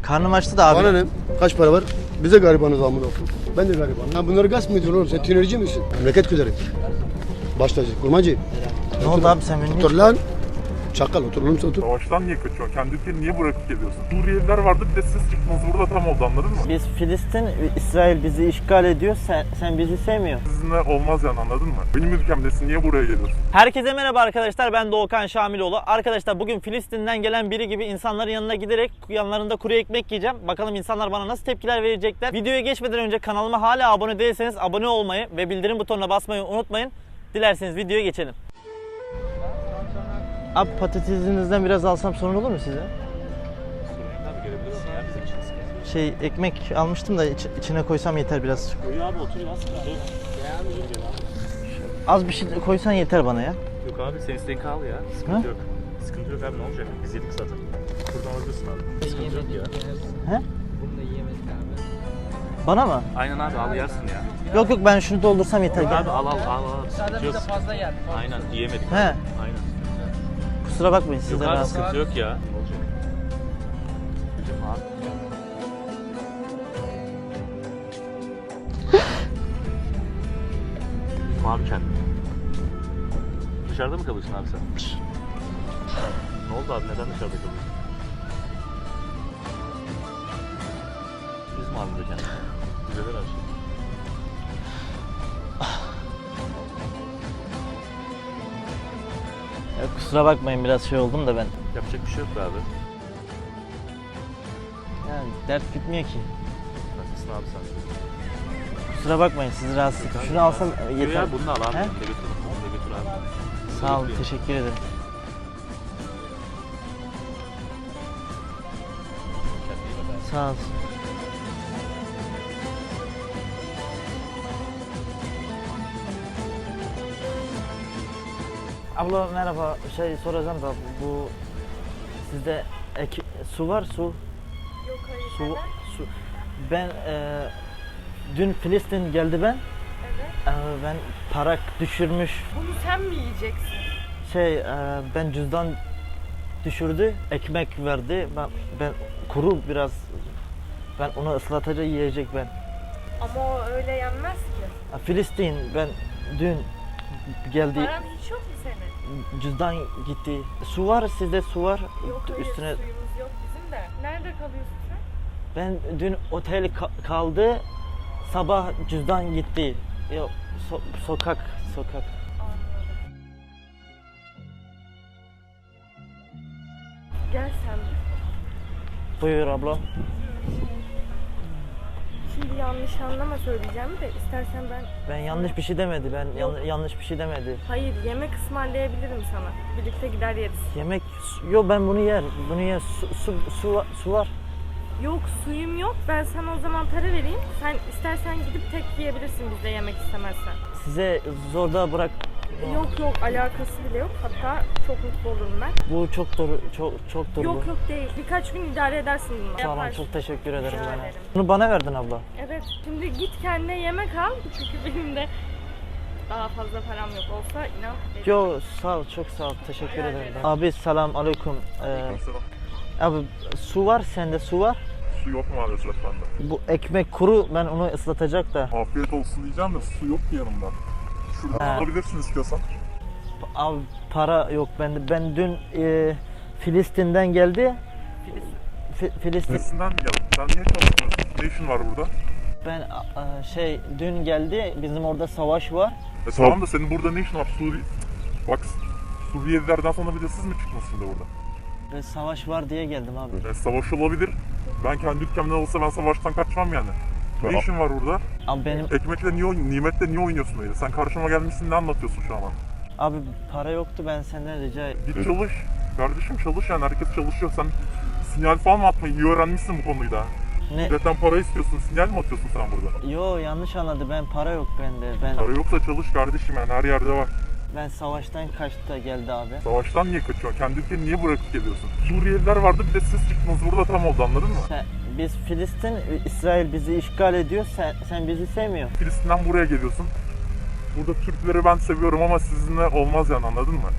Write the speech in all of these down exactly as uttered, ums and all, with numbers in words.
Karnım açtı da abi. Bana ne? Kaç para var? Bize garibanız amına koyayım. Ben de garibanım. Ha bunları gasp mı ediyorsun oğlum? Sen tünelci misin? Memleket güzeli. Baştacı, kurmacı. Ne oldu abi sen beni? Otur lan. Çakal otur oğlum sen otur. Savaştan niye kaçıyorsun? Kendi ülkeni niye bırakıp geliyorsun? Suriyeliler vardı, bir de siz çıktınız burada, tam oldu, anladın mı? Biz Filistin, İsrail bizi işgal ediyor. Sen, sen bizi sevmiyorsun. Sizinle olmaz yani, anladın mı? Benim ülkemdesin, niye buraya geliyorsun? Herkese merhaba arkadaşlar, ben Doğukan Şamiloğlu. Arkadaşlar bugün Filistin'den gelen biri gibi insanların yanına giderek yanlarında kuru ekmek yiyeceğim. Bakalım insanlar bana nasıl tepkiler verecekler. Videoya geçmeden önce kanalıma hala abone değilseniz abone olmayı ve bildirim butonuna basmayı unutmayın. Dilerseniz videoya geçelim. Abi patatesinizden biraz alsam sorun olur mu size? Şey ekmek almıştım da iç, içine koysam yeter biraz. Koy abi, otur ya, sıkıntı yok. Az bir şey koysan yeter bana ya. Yok abi, sen isteğin kal ya, sıkıntı Ha? yok. Sıkıntı yok abi, ne olacak? Biz yedik zaten. Buradan alabilirsin abi. Sıkıntı yok ya. He? Bana mı? Aynen abi, al yersin ya. Yok yok ben şunu doldursam yeter. Yok Gel. abi, al al al al. Sıkıntı yok. fazla yer. Aynen, yiyemedik. He. Aynen. Kusura bakmayın Yok sizden abi, rahatsız. sıkıntı yok ya. Ne olacak? Hocam abi. Üzme abi kendini. Dışarıda mı kalıyorsun abi sen? Ne oldu abi, neden dışarıda kalıyorsun? Üzme abi de kendini. Düzelir her şey. Ya, kusura bakmayın biraz şey oldum da ben. Yapacak bir şey yok be abi. Yani dert bitmiyor ki. Nasılsın abi sen? Kusura bakmayın sizi rahatsız ettim. Şunu alsam Yok yeter. ya, bunu da al abi. He? Bunu da götür. Bunu da götür abi. Sağ olun, Bekliyorum. teşekkür ederim. Kendine iyi bak abi. Sağ olun. Abla merhaba, şey soracağım da bu sizde ek, su var su. Yok hayır. Su, neden? su. Ben e, dün Filistin geldi ben. Evet. E, ben para düşürmüş. Bunu sen mi yiyeceksin? Şey e, ben cüzdan düşürdü, ekmek verdi. Ben ben kuru biraz. Ben onu ıslatacak yiyecek ben. Ama o öyle yenmez ki. E, Filistin ben dün geldi. Paran hiç yok mu senin? Cüzdan gitti. Su var sizde su var. Yok hayır Üstüne suyumuz yok bizim de. Nerede kalıyorsun sen? ben dün otel ka- kaldı. Sabah cüzdan gitti. Yok so- sokak sokak. Anladım. Gel sen bir. Buyur abla. Şimdi yanlış anlama söyleyeceğim de istersen ben... Ben yanlış bir şey demedi. Ben yan- yanlış bir şey demedi. Hayır yemek ısmarlayabilirim sana. Birlikte gider yeriz. Yemek yok ben bunu yer. Bunu yer. Su su su, va- su var. Yok suyum yok. Ben sana o zaman para vereyim. Sen istersen gidip tek yiyebilirsin bizde yemek istemezsen. Size zorda bırak. Yok yok alakası bile yok. Hatta çok mutlu olurum ben. Bu çok doğru çok çok doğru. Yok yok değil. Birkaç gün idare edersin bunu. Sağ olun, Yaparsın. çok teşekkür ederim Rica bana. ederim. Bunu bana verdin abla. Evet. Şimdi git kendine yemek al. Çünkü benim de daha fazla param yok olsa inan. veririm. Yo sağ ol çok sağ ol teşekkür Rica ederim. ederim. Abi selam aleyküm. Ee, Mesela abi su var sende su var. su yok maalesef bende. Bu ekmek kuru ben onu ıslatacak da. Afiyet olsun diyeceğim de su yok ki yanımda. Şuradan Ha. alabilirsin istiyorsan. Abi para yok bende. Ben dün e, Filistin'den geldi. Fi- Filistin. Neresinden mi geldin? Sen niye çalışmıyorsun? Ne işin var burada? Ben a- şey dün geldi. Bizim orada savaş var. E tamam da senin burada ne işin var? Suri... Bak Suriyelilerden sonra bir de siz mi çıktınız şimdi burada? Ve savaş var diye geldim abi. E, savaş olabilir. Ben kendi ülkemden olsa ben savaştan kaçmam yani. Ne işin var burada? Abi benim Ekmekle niye, oyn- nimetle niye oynuyorsun öyle? Sen karşıma gelmişsin, ne anlatıyorsun şu an bana? abi para yoktu ben senden rica Git çalış. Kardeşim çalış yani, herkes çalışıyor. Sen sinyal falan mı atmayı iyi öğrenmişsin bu konuyu da. ne Zaten para istiyorsun, sinyal mi atıyorsun sen burada? yo yanlış anladı ben para yok bende. Ben Para yoksa çalış kardeşim yani, her yerde var. ben savaştan kaçtı da geldi abi. Savaştan niye kaçıyorsun? Kendi ülkeni niye bırakıp geliyorsun? Suriyeliler vardı, bir de siz çıktınız burada, tam oldu, anladın mı? Sen, biz Filistin, İsrail bizi işgal ediyor. Sen sen bizi sevmiyorsun. Filistin'den buraya geliyorsun. Burada Türkleri ben seviyorum ama sizinle olmaz yani, anladın mı?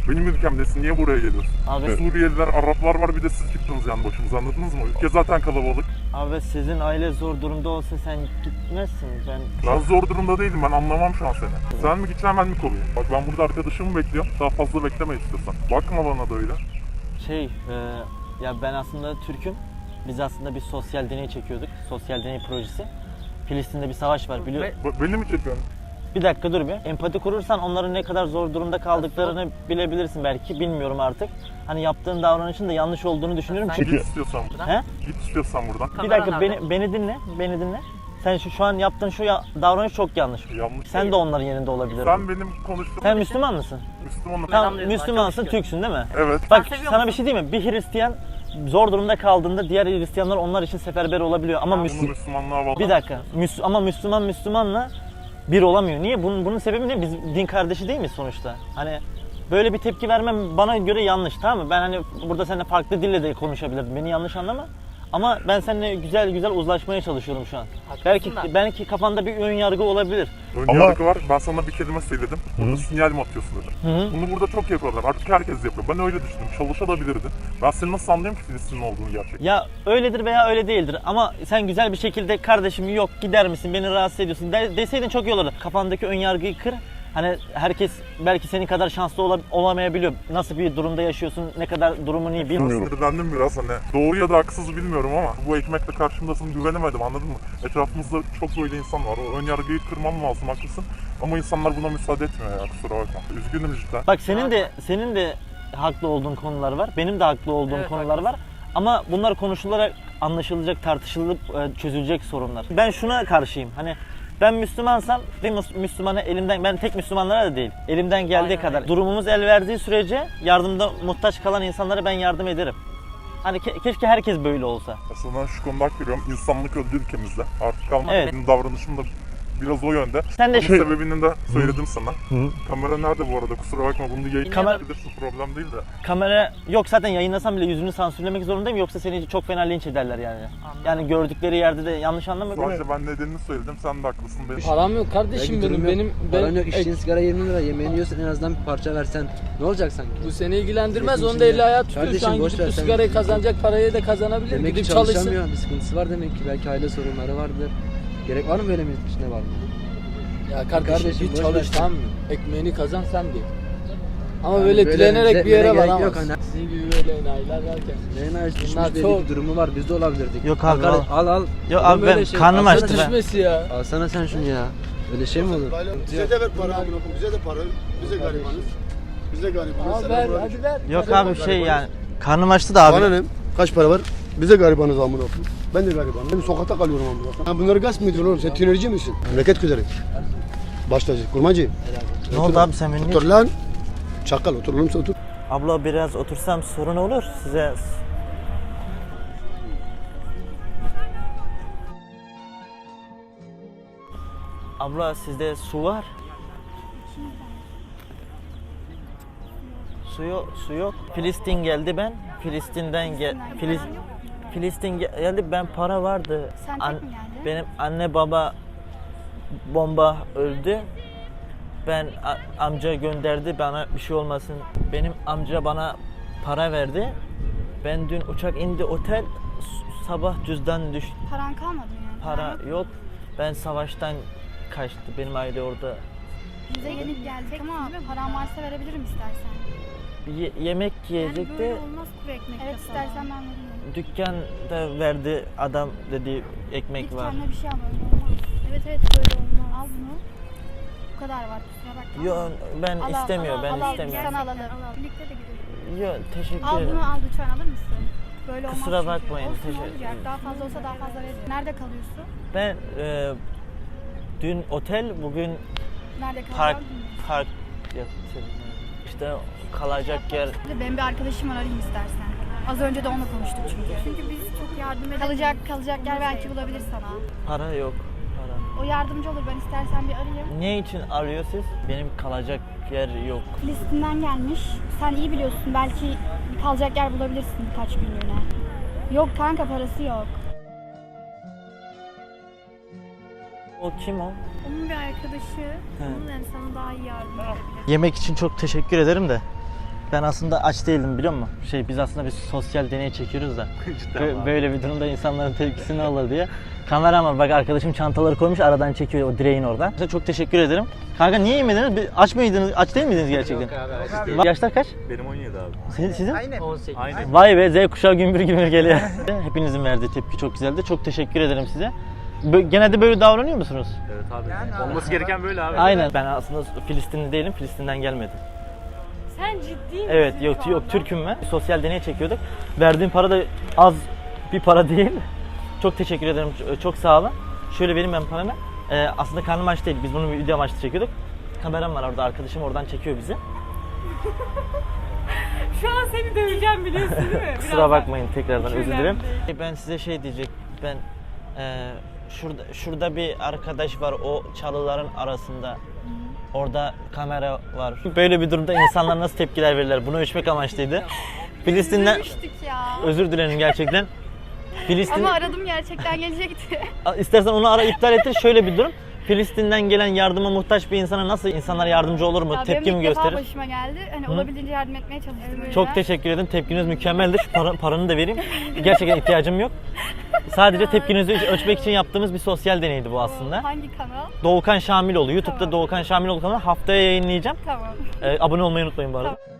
Benim ülkemdesin, niye buraya geliyorsun? Abi, Suriyeliler, Araplar var, bir de siz çıktınız yani başımıza, anladınız mı? Ülke zaten kalabalık. abi sizin aile zor durumda olsa sen gitmezsin. Ben Ben zor durumda değilim, ben anlamam şu an seni. Sen mi gideceksin, ben mi kolayım? Bak ben burada arkadaşımı bekliyorum, daha fazla bekleme istiyorsan. Bakma bana da öyle. şey, e, ya ben aslında Türk'üm. Biz aslında bir sosyal deney çekiyorduk. Sosyal deney projesi. Filistin'de bir savaş var biliyor. Ba- Beni mi çekiyorsun? Bir dakika dur bir. Empati kurursan onların ne kadar zor durumda kaldıklarını bilebilirsin belki. Bilmiyorum artık. Hani yaptığın davranışın da yanlış olduğunu düşünüyorum çünkü. Git istiyorsan buradan. He? Git istiyorsan buradan. Bir dakika beni beni dinle. Beni dinle. Sen şu, şu an yaptığın şu ya, davranış çok yanlış. Yanlış. Sen de onların yerinde olabilirdin. Sen benim konuştuğum... Sen Müslüman mısın? Müslümanım. Tamam, Müslümansın, Türksün değil mi? Evet. Bak sana bir şey diyeyim mi? Bir Hristiyan zor durumda kaldığında diğer Hristiyanlar onlar için seferber olabiliyor ama Bunu Müslüman. Müslümanlığa bağlı. Bir dakika. Müs ama Müslüman Müslümanla bir olamıyor. Niye? Bunun bunun sebebi ne? Biz din kardeşi değil miyiz sonuçta? Hani böyle bir tepki vermem bana göre yanlış, tamam mı? Ben hani burada seninle farklı dille de konuşabilirdim. Beni yanlış anlama. Ama ben seninle güzel güzel uzlaşmaya çalışıyorum şu an. Belki belki kafanda bir ön yargı olabilir. Ön yargı var. Ben sana bir kelime söyledim. Burada sinyal mi atıyorsun dedim. Hı. Bunu burada çok yapıyorlar. Artık herkes yapıyor. Ben öyle düşündüm. Çalışabilirdi. Ben seni nasıl anlayayım ki Filistinli olduğunu gerçekten? Ya öyledir veya öyle değildir ama sen güzel bir şekilde kardeşim yok gider misin beni rahatsız ediyorsun de, deseydin çok iyi olurdu. Kafandaki ön yargıyı kır. Hani herkes belki senin kadar şanslı ola, olamayabiliyor. Nasıl bir durumda yaşıyorsun, ne kadar durumun iyi bilmiyorum. Sinirlendim biraz hani. Doğru ya da haksız bilmiyorum ama bu ekmekle karşımdasın, güvenemedim, anladın mı? Etrafımızda çok böyle insan var. O ön yargıyı kırmam lazım, haklısın. Ama insanlar buna müsaade etmiyor ya, kusura bakma. Üzgünüm cidden. Bak senin de senin de haklı olduğun konular var. Benim de haklı olduğum Evet, konular var. Ama bunlar konuşularak anlaşılacak, tartışılıp e, çözülecek sorunlar. Ben şuna karşıyım. Hani ben Müslümansam bir Müs- Müslümana elimden, ben tek Müslümanlara da değil, elimden geldiği Aynen kadar öyle. durumumuz el verdiği sürece yardımda muhtaç kalan insanlara ben yardım ederim. Hani ke- keşke herkes böyle olsa. Aslında şu konuda hak veriyorum. İnsanlık öldü ülkemizde. Artık kalmadı. Evet. Benim davranışım da biraz o yönde. Sen de Bunun şu sebebini de söyledim sana. Kamera nerede bu arada? Kusura bakma, bunu yayın Kamer- yapabilirsin, problem değil de. kamera yok zaten, yayınlasam bile yüzünü sansürlemek zorundayım yoksa seni çok fena linç ederler yani. Yani gördükleri yerde de yanlış anlama. değil mi? Sadece ben nedenini söyledim, sen de haklısın. Benim. Param yok kardeşim Belki benim. durum Benim yok. ben, Paran yok, ek- içtiğin sigara yirmi lira, yemeğini yiyorsan en azından bir parça versen ne olacak sanki? bu seni ilgilendirmez. Milletin Onu da eli içinde. ayağı tutuyor. Şu Kardeşim, an boş gidip ver bu sen. sigarayı kazanacak parayı da kazanabilir. Demek ki Gidip çalışsın. çalışamıyor, bir sıkıntısı var demek ki, belki aile sorunları vardır. Gerek var mı böyle milletin içinde var mı? Ya kardeşim, Kardeşim, bir boş çalış, ver. tamam mı? Ekmeğini kazan sen diye. Ama Yani böyle, böyle dilenerek bir yere diretmene gerek varamazsın. yok hani. Sizin gibi böyle enayiler varken. Neyin ağaç düşmüş Bunlar belli çok- bir durumu var, biz de olabilirdik. Yok abi, al. al. Al al. Yok Olur abi böyle ben şey. karnım Alsana açtı Nasıl ben. düşmesi ya? Alsana sen şunu ya. Öyle şey mi olur? Bize de ver para, amına koyayım, bize de para. Bize garibanız. Bize garibanız. Al Selam ver, aleyküm. hadi ver. Yok Hadi abi ver. şey yani karnım açtı da abi. Bana ne? Kaç para var? Bize garibanız amına koyayım. Ben de garibanım. Ben sokakta kalıyorum amına koyayım. Ha, bunları gasp mı ediyorsun oğlum? Sen tünerici misin? Memleket güzeli. Baştacı, kurmacı. Ne oldu abi sen beni? Otur lan. Çakal otur oğlum, sen otur. Abla biraz otursam sorun olur size. Abla sizde su var? Su yok, su yok. Filistin geldi ben. Filistin'den gel Filis Filistin gel- geldi, ben para vardı. Sen tek mi geldin? Benim anne baba bomba öldü. Ben a- amca gönderdi bana bir şey olmasın. Benim amca bana para verdi. Ben dün uçak indi otel, s- sabah cüzdan düştü. Paran kalmadı mı yani? Para Paran yok. yok. Ben savaştan kaçtı. Benim aile orada. Bize gelip geldik ama paran varsa verebilirim istersen. Bir ye- yemek yiyecekti. olmaz kuru ekmek. Evet istersen ben veririm. Dükkanda verdi adam, dedi ekmek Git var. kendine bir şey al, öyle olmaz. Evet evet böyle olmaz. Al bunu. Bu kadar var, kusura bakma. Yok ben Al, al, istemiyorum, al, ben al, al, istemiyorum. Sana alalım. Birlikte de gidelim. Yok teşekkür Al ederim. bunu, al lütfen, alır mısın? Böyle olmaz Kusura çünkü. bakmayın, Olsun, teşekkür- olacak. Daha fazla olsa daha fazla veririm. Nerede kalıyorsun? Ben e, dün otel, bugün Nerede kalıyorsun? park park yaptım. İşte kalacak yer. Benim bir arkadaşım var, arayayım istersen. Az önce de onunla konuştuk çünkü. Çünkü biz çok yardım edelim. Kalacak, kalacak yer belki bulabilir sana. Para yok. Para. O yardımcı olur, ben istersen bir arayayım. Ne için arıyor siz? Benim kalacak yer yok. Filistin'den gelmiş. Sen iyi biliyorsun, belki bir kalacak yer bulabilirsin birkaç günlüğüne. Yok kanka, parası yok. O kim o? Onun bir arkadaşı. Onun yani sana daha iyi yardım edebilir. Yemek için çok teşekkür ederim de. Ben aslında aç değildim biliyor musun? Şey biz aslında bir sosyal deney çekiyoruz da. Bö- böyle bir durumda insanların tepkisi ne olur diye. Kamera var bak arkadaşım çantaları koymuş aradan çekiyor o direğin oradan. Size çok teşekkür ederim. Kanka niye yemediniz? Bir- Aç mıydınız? Aç değil miydiniz gerçekten? Yaşlar kaç? Benim on yedi abi. Sizin? sizin? on sekiz. Aynen. Vay be Z kuşağı gümbür gümbür geliyor. Hepinizin verdiği tepki çok güzeldi. Çok teşekkür ederim size. Bö- genelde böyle davranıyor musunuz? Evet abi. Olması gereken böyle abi. Aynen. Ben aslında Filistinli değilim. Filistin'den gelmedim. Sen ciddi misin? Evet yok şu yok anda? Türk'üm ben. Sosyal deney çekiyorduk. Verdiğim para da az bir para değil. Çok teşekkür ederim. ç- Çok sağ olun. Şöyle vereyim ben paramı. Ee, aslında karnım aç değil. Biz bunu bir video amaçlı çekiyorduk. Kameram var orada. Arkadaşım oradan çekiyor bizi. Şu an seni döveceğim biliyorsun değil mi? Kusura Birazdan. bakmayın tekrardan Hiç özür önemli dilerim. değil. Ben size şey diyecek. Ben e, şurada şurada bir arkadaş var o çalıların arasında. Orada kamera var. Böyle bir durumda insanlar nasıl tepkiler verirler? Bunu ölçmek amaçlıydı. Filistin'den Üzülmüştük ya. özür dilerim gerçekten. Filistin Ama aradım gerçekten gelecekti. istersen onu ara iptal ettir. Şöyle bir durum. Filistin'den gelen yardıma muhtaç bir insana nasıl insanlar yardımcı olur mu? Ya Tepki benim mi ilk defa gösterir? başıma geldi. Hani Hı? olabildiğince yardım etmeye çalıştım. öyle. Çok teşekkür ederim. Tepkiniz mükemmeldi. Şu para, paranı da vereyim. Gerçekten ihtiyacım yok. Sadece tepkinizi ölçmek için yaptığımız bir sosyal deneydi bu aslında. Hangi kanal? Doğukan Şamiloğlu. YouTube'da Tamam. Doğukan Şamiloğlu kanalı haftaya yayınlayacağım. Tamam. Ee, abone olmayı unutmayın bu arada. Tamam.